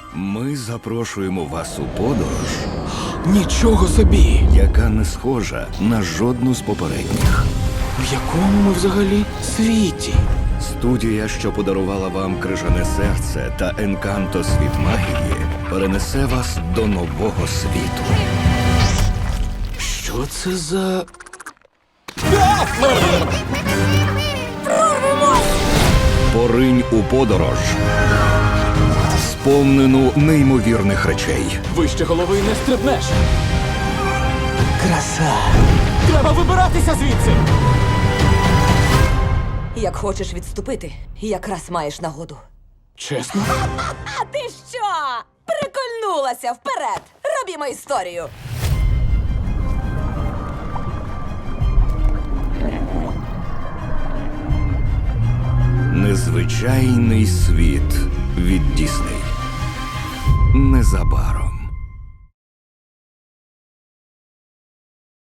Ми запрошуємо вас у подорож, Нічого собі! яка не схожа на жодну з попередніх. В якому ми взагалі світі? Студія, що подарувала вам крижане серце та Енканто світ магії, перенесе вас до нового світу. Що це за... Поринь у подорож, сповнену неймовірних речей. Вище голови не стрибнеш. Краса. Треба вибиратися звідси. Як хочеш відступити, якраз маєш нагоду. Чесно? А ти що? Прикольнулася вперед! Робімо історію! Незвичайний світ від Дісней. Незабаром.